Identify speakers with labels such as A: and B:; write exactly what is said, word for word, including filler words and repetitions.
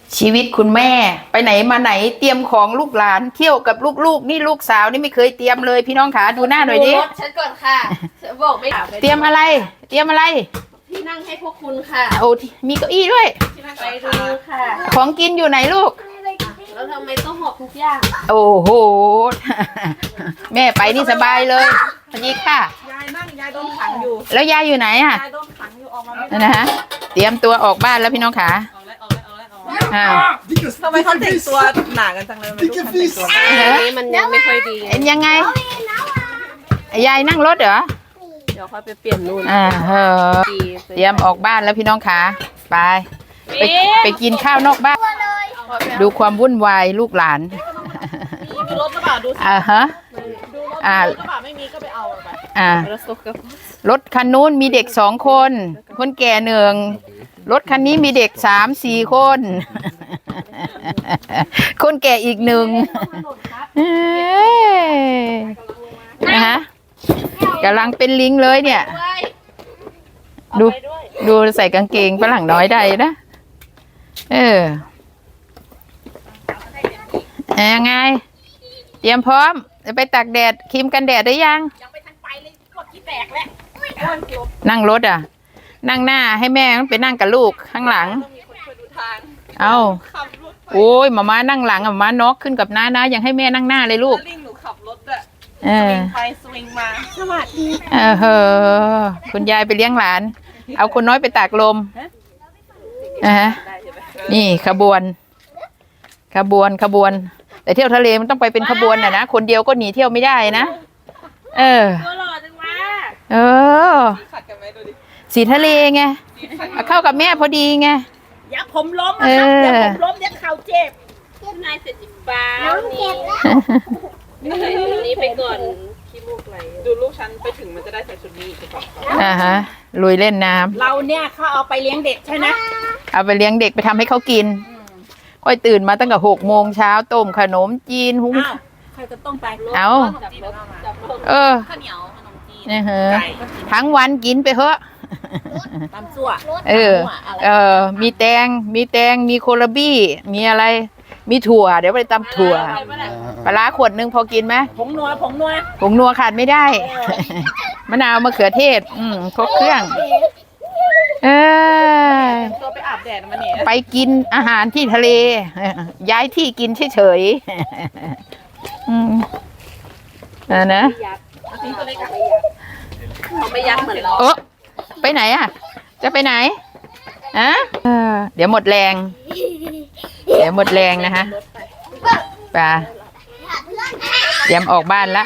A: ชีวิตคุณแม่ไปไหนมาไหนเตรียมของลูกหลานเที่ยวกับลูกๆนี่ลูกสาวนี่ไม่เคยเตรียมเลยพี่น้องขาดูหน้าหน่อยดิ
B: ดูรถฉันก่อนค่ะฉันบอกไม่
A: เตรียมอะไรเตรียมอะไร
B: ที่นั่งให้พวกคุณค่ะ
A: โอ้มีเก้าอี้ด้วย
B: ไปดูค่ะ
A: ของกินอยู่ไหนลูก
B: แล้วทำไมต้องหอบทุกอย่าง
A: โอ้โหแม่ไปนี่สบายเลยสวัสดีค่ะ
C: ยายนั่งยายโดนขังอยู่
A: แล้วยายอยู่ไหนอ่ะ
C: ยายโดนขังอยู่ออกมาไม่ได้
A: นะฮะเตรียมตัวออกบ้านแล้วพี่น้องขา
C: ทำไมเขาแต่งตัวหนากันจังเลยไม่รู้คันแต่งตัว
B: อันนี้มันยังไม่ค่อยดี
A: เอ็นยังไงยายนั่งรถเหรอ
B: เดี๋ยวค่อยไปเปลี่ยนนู่น
A: อ่าเออเตรียมออกบ้านแล้วพี่น้องขาไปไปไปกินข้าวนอกบ้านดูความวุ่นวายลูกหลาน
C: ดูรถกระบะดูสิ
A: อ่าฮะ
C: อ่ารถกระบะไม่มีก็ไปเอาไป
A: อ่ารถคันนู้นมีเด็กสองคนคนแก่หนึ่งรถคันนี้มีเด็กสามสี่คนคนแก่อีกหนึ่งนะฮะกำลังเป็นลิงเลยเนี่ยดูดูใส่กางเกงฝรั่งน้อยได้นะเออยังไงเตรียมพร้อมจะไปตากแดดครีมกันแดดได้ยัง
C: ยังไปทันไปเลยพวกขี้แตกแล้ว
A: นั่งรถอ่ะนั่งหน้าให้แม่ไปนั่งกับลูกข้างหลังเอาโอ้ยหมาม้านั่งหลังหมาม้าน็อกขึ้นกับน้านะยังให้แม่นั่งหน้าเลยลูก
C: ลิงหนูขับรถอะสวิงไปสวิงมาสวัสดี
A: เออเฮ้อคุณยายไปเลี้ยงหลานเอาคนน้อยไปตากลมนะฮะนี่ขบวนขบวนขบวนแต่เที่ยวทะเลมันต้องไปเป็นขบวนน่ะนะคนเดียวก็หนีเที่ยวไม่ได้นะเออเออสีทะเลไงเข้ากับแม่พอดีไง
C: อย่าผมล้มนะครับอย่าผมล้มเดี๋ยวเข่าเจ็บ
B: นายเสร็จจิบฟ้านี่นี่ไปก่อนขี้มูกไหล
C: ดูลูกฉันไปถึงมันจะได้ใส่ชุดนี้อีกก่อน
A: อ่าฮะลุยเล่นน้ำ
C: เราเนี่ยเขาเอาไปเลี้ยงเด็กใช่ไหม
A: เอาไปเลี้ยงเด็กไปทำให้เขากินค่อยตื่นมาตั้งแต่หกโมงเช้าต้มขนมจีนหุ้ง
C: ใครจะต้องไป
A: เอาเออ
C: ข้าวเหนียวขนมจีน
A: นี่เหรอทั้งวันกินไปเถอะ
C: ตำซั่ว
A: เออเออมีแตงมีแตงมีโคลาบี้มีอะไรมีถั่วเดี๋ยวไปตำถั่วปลาขวดนึงพอกินไหม
C: ผงนัวผงนัว
A: ผงนัวขาดไม่ได้มะนาวมะเขือเทศอืมครบเครื่องเออ
C: ตัวไปอาบแดดมาเนี่ย
A: ไปกินอาหารที่ทะเลย้ายที่กินเฉยๆอืมอ่านะ
B: เขาไม่ยักเหมือนเรา
A: โอ้ไปไหนอ่ะจะไปไหนอะเดี๋ยวหมดแรงเดี๋ยวหมดแรงนะคะไปเตรียมออกบ้านละ